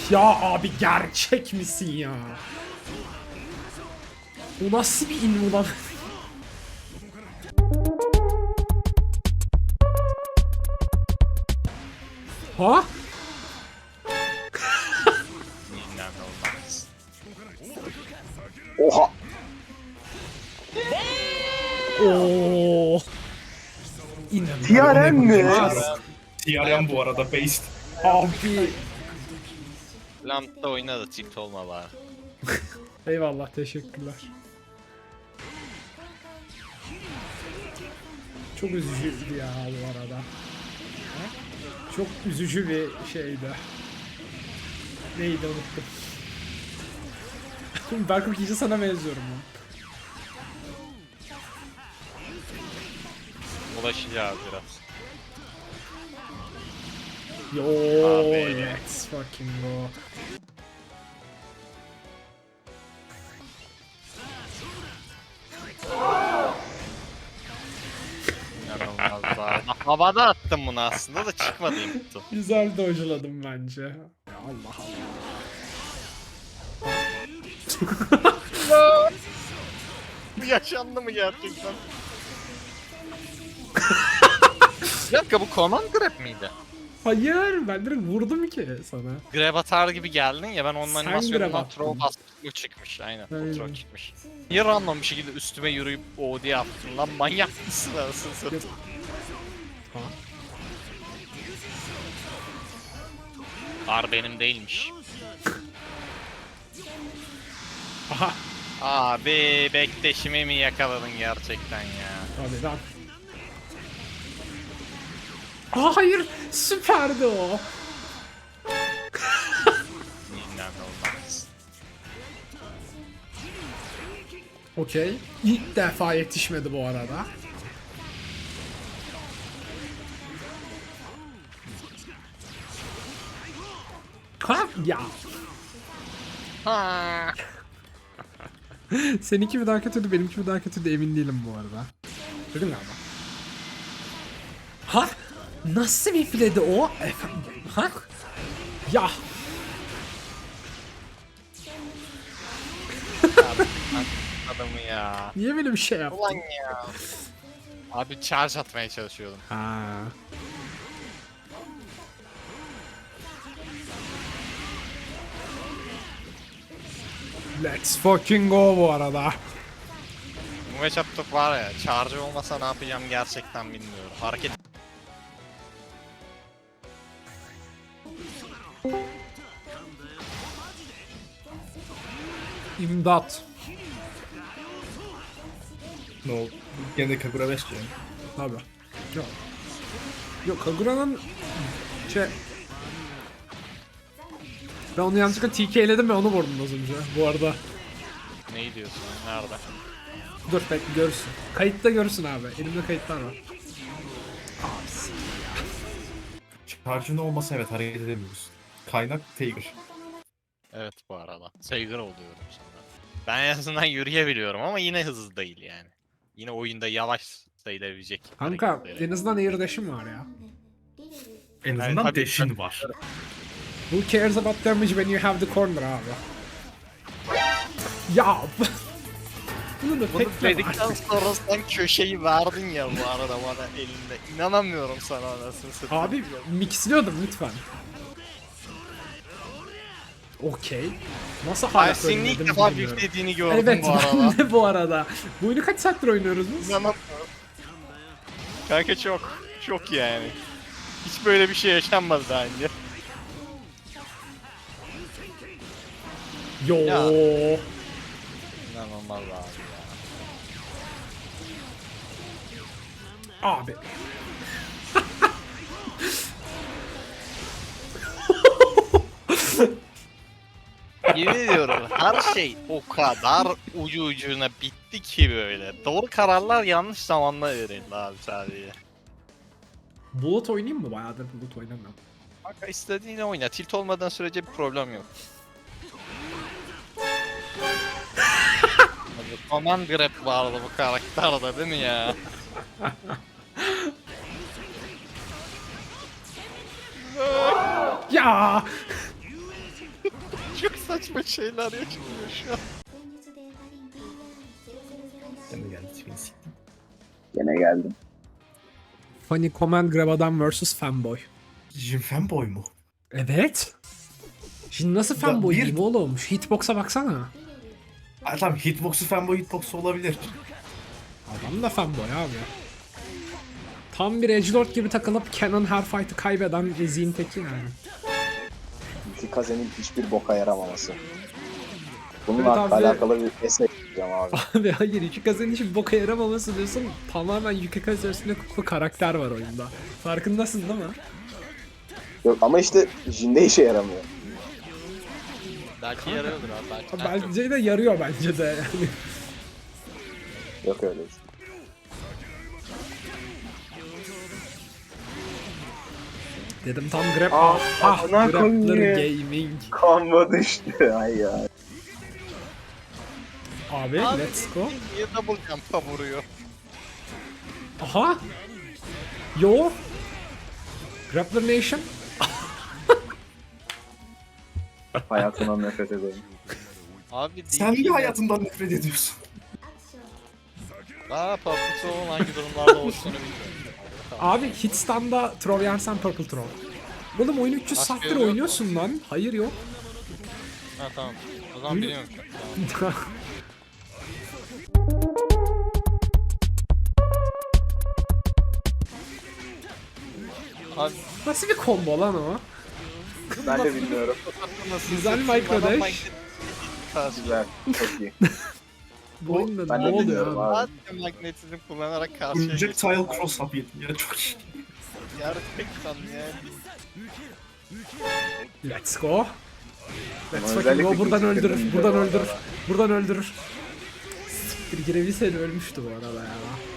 Ya abi gerçek misin ya? Bu nasıl bir in ulan? Ha? İnanılmaz. Oha. Oo. TRM mi? İnanılmaz. TRM bu arada based. Abi. Lambda oyna da tilt olma bari. Eyvallah, teşekkürler. Çok üzücüydü ya bu arada. Çok üzücü bir şeydi. Neydi, unuttum. Berkok iyice sana benziyorum ben. Ulaşacağız biraz. Yo, Abi. let's fucking go. İnanılmaz abi. Havada attım bunu aslında da çıkmadı input'u. Güzel dojladım bence. Ya Allah Allah. Bu yaşandı mı gerçekten? Bir dakika, bu command grab miydi? Hayır, ben direkt vurdum ki sana. Grab atar gibi geldin ya, ben onun Sen grab animasyonundan attın. throw bastım, o çıkmış aynen. O Aynen. throw çıkmış. Niye random bir şekilde üstüme yürüyüp OD yaptın lan, manyak mısın anasını satayım? Ha. Ar benim değilmiş. Aha. Abi bekleşimi mi yakaladın gerçekten ya? Hadi lan. Aa, hayır, süperdi o. İnanılmaz. Okey. İlk defa yetişmedi bu arada. Ha ya. Ha. Seninki mi daha kötüydü, benimki mi daha kötüydü emin değilim bu arada. Dedim galiba. Ha? Nasıl bir filedi o? Efendim? Ha? Ya. Adamı ya. Niye böyle bir şey Ulan yaptın? ya. Abi charge atmaya çalışıyordum. Ha. Let's fucking go bu arada. Bu matchup'ta var ya, charge olmasa ne yapacağım gerçekten bilmiyorum. Hareket İmdat. Ne oldu? Gene de Kagura 5 diyorum. Tabi. Yok. Yok, Kagura'nın şey... Ben onu yanlışlıkla TK'ledim ve onu vurdum az önce bu arada. ne diyorsun? Nerede? Dur bekle, görürsün. Kayıtta görürsün abi. Elimde kayıtlar var. Abisi. Charge'ın olmasa evet hareket edemiyoruz. Kaynak Tiger. Evet bu arada. Saygır oluyorum sonra. Ben en azından yürüyebiliyorum ama yine hızlı değil yani. Yine oyunda yavaş sayılabilecek. Kanka hareketleri. en azından air dash'im var ya. En Yani azından tabii- dash'in var. Who cares about damage when you have the corner abi? Ya. Bunu da Bunu pek dedikten sonra sen köşeyi verdin ya bu arada bana elinde. İnanamıyorum sana anasını satayım. Abi mixliyordum lütfen. Okey. Nasıl hala Ay senin ilk söylemediniz defa bilmiyorum. büyüklediğini gördüm Evet bu arada. ben de bu arada. Bu oyunu kaç saattir oynuyoruz biz? İnanamıyorum. Kanka çok yani. Hiç böyle bir şey yaşanmadı daha önce. Yo. Ya. İnanılmaz abi ya. Abi. Yemin ediyorum her şey o kadar ucu ucuna bitti ki böyle. Doğru kararlar yanlış zamanda verildi abi sadece. Bulut oynayayım mı? Bayağıdır Bulut oynamıyorum. Kanka istediğini oyna. Tilt olmadan sürece bir problem yok. Abi, Command Grab vardı bu karakterde değil mi ya? Ya. Çok saçma şeyler yaşanıyor şu an. Sen de geldin. Beni siktin. Gene geldim. Funny Command Grab Adam vs Fanboy. Jim Fanboy mu? Evet. Şimdi nasıl Da fanboy bir- diyeyim oğlum? Şu hitbox'a baksana. Ha, tamam hitbox'u fanboy hitbox'u olabilir. Adam da fanboy abi. Tam bir edgelord gibi takılıp Canon her fight'ı kaybeden eziyim teki yani. Tikaze'nin hiçbir boka yaramaması. Evet Bununla abi. alakalı bir essay yapacağım abi. Abi hayır Yukikaze'nin hiç boka yaramaması diyorsun. Tamamen Yukikaze üstünde kuklu karakter var oyunda. Farkındasın değil mi? Yok ama işte Jin'de işe yaramıyor. Belki yarıyordur abi belki. Abi bence de yarıyor bence de yani. Yok öyle. Dedim tam grab. Aa, Ah, amına Grappler koyayım. Gaming. Kanma düştü. Ay ya. Abi let's go. Niye double jump'a vuruyor? Aha. Yo. Grappler Nation. Hayatından nefret ederim. Abi Sen niye hayatından nefret ediyorsun? Aa Papuçoğlu'nun hangi durumlarda oluştuğunu bilmiyorum. Abi Hitstan'da troll yersen Purple Troll. Oğlum oyunu 300 Başka saattir yolu yok. oynuyorsun lan. Hayır yok. Ha tamam. O zaman biliyorum. Tamam. Abi Nasıl bir combo lan o? Ben de bilmiyorum. Güzel micro dash. Güzel. Çok iyi. Bu oyunda Ben ne de oluyor bilmiyorum abi? abi. Zaten magnetizm kullanarak karşıya Projectile geçiyor. cross up yedim ya çok iyi. Gerçekten yani. Let's go. Let's Ama fucking go. özellikle Buradan geciktirdim öldürür. yine Buradan bu öldürür. arada. Buradan öldürür. Bir girebilseydi ölmüştü bu arada ya.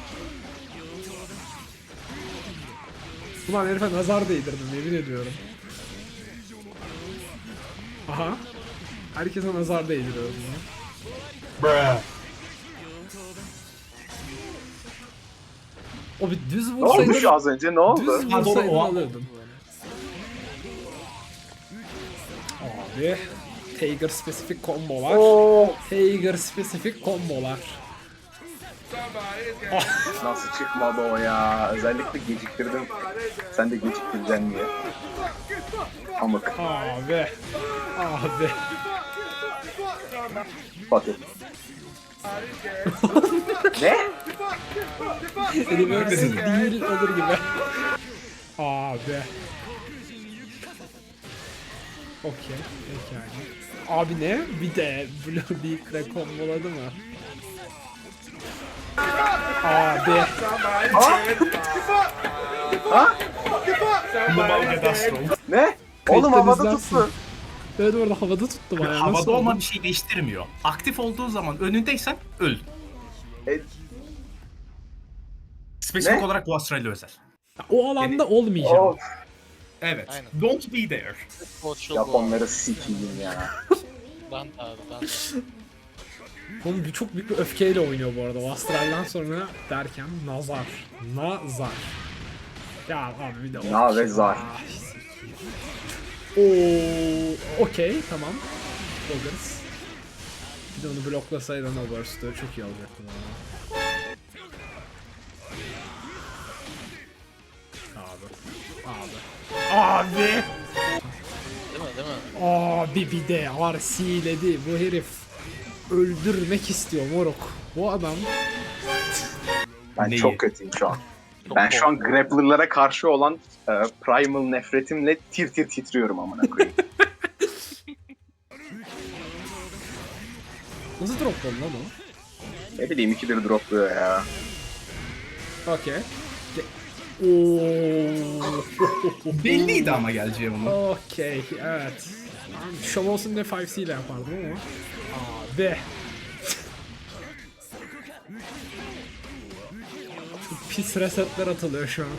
Ulan herife nazar değdirdim yemin ediyorum. Aha. Herkese nazar değdiriyorum ya. Bruh. O bir düz Ne olmuş vursaydın, az önce ne oldu? düz Ha, doğru, vursaydın o- alırdın. Abi. Tiger spesifik kombolar. Oo, Tiger spesifik kombolar. nasıl çıkmadı o ya? Özellikle geciktirdim. Sen de geciktireceksin diye. Amık. Abi. Abi. Fatih. Ne? Reverse değil olur gibi. Abi. Okey. Pekala. Abi ne? Bir de Blue Beak'le komboladı mı? Abi. Global Gadastro. Ne? Oğlum Kayıttan havada izlersin. tuttu. Evet orada havada tuttu bayağı. Nasıl Havada oldu? olman bir şey değiştirmiyor. Aktif olduğu zaman önündeysen öl. E, Spesifik Ne? olarak bu Astral'le özel. O alanda olmayacağım. Of. Evet. Aynen. Don't be there. Koçlu bu. Japonları sikiyim ya. Ben de abi ben de. Oğlum bir çok büyük bir öfkeyle oynuyor bu arada. O Astral'dan sonra derken nazar. Nazar. Ya abi bir de Na ve zar. Oo, okey tamam. Oluruz. Bir de onu bloklasaydın o burst'ı çok iyi olacaktı bana. Abi. Değil mi değil mi? Abi bir de RC'ledi bu herif. Öldürmek istiyor moruk. Bu adam Ben Neyi? çok kötüyüm şu an. Çok Ben şu an korktum. grappler'lara karşı olan primal nefretimle tir tir titriyorum amına koyayım. nasıl dropladın lan o? Ne bileyim ikidir dropluyor ya. Okey. Ooo. Belliydi ama geleceği onun. Okey, evet. Şov olsun diye 5C ile yapardım ama. Abi. Çok pis resetler atılıyor şu an.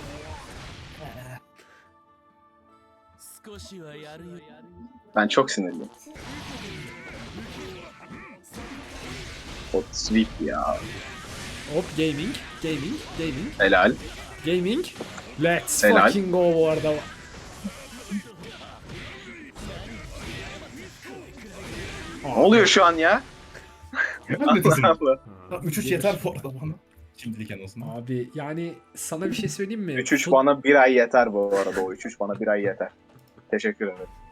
Ben çok sinirliyim. Hot sweep ya. Hop gaming, gaming, gaming, Helal. gaming. Let's Helal. fucking go bu arada. Ne oluyor şu an ya? Allah Allah. 3-3 yeter bu arada bana. Şimdilik en azından. Abi yani sana bir şey söyleyeyim mi? 3-3 bana bir ay yeter bu arada. O 3-3 bana bir ay yeter. Teşekkür ederim.